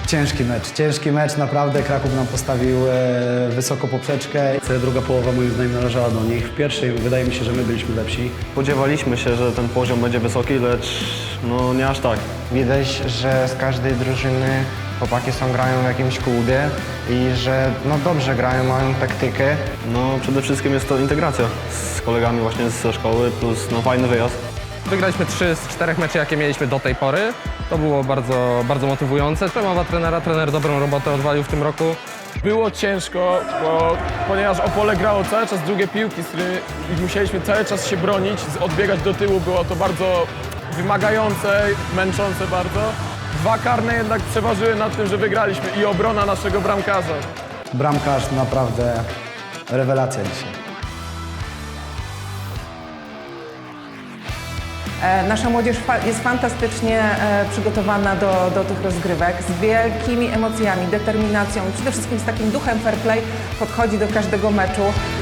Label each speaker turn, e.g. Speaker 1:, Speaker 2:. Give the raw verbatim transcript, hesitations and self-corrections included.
Speaker 1: Ciężki mecz, ciężki mecz, naprawdę Kraków nam postawił e, wysoko poprzeczkę.
Speaker 2: Druga połowa moim zdaniem należała do nich. W pierwszej wydaje mi się, że my byliśmy lepsi.
Speaker 3: Spodziewaliśmy się, że ten poziom będzie wysoki, lecz no nie aż tak.
Speaker 4: Widać, że z każdej drużyny chłopaki są grają w jakimś klubie i że no dobrze grają, mają taktykę.
Speaker 3: No przede wszystkim jest to integracja z kolegami właśnie ze szkoły, plus no fajny wyjazd.
Speaker 5: Wygraliśmy trzy z czterech meczy, jakie mieliśmy do tej pory. To było bardzo, bardzo motywujące. Przemowa trenera, trener dobrą robotę odwalił w tym roku.
Speaker 6: Było ciężko, bo, ponieważ Opole grało cały czas drugie piłki, z którymi musieliśmy cały czas się bronić, odbiegać do tyłu. Było to bardzo wymagające, męczące bardzo. Dwa karne jednak przeważyły nad tym, że wygraliśmy i obrona naszego bramkarza.
Speaker 1: Bramkarz naprawdę rewelacja dzisiaj.
Speaker 7: Nasza młodzież jest fantastycznie przygotowana do, do tych rozgrywek, z wielkimi emocjami, determinacją i przede wszystkim z takim duchem fair play podchodzi do każdego meczu.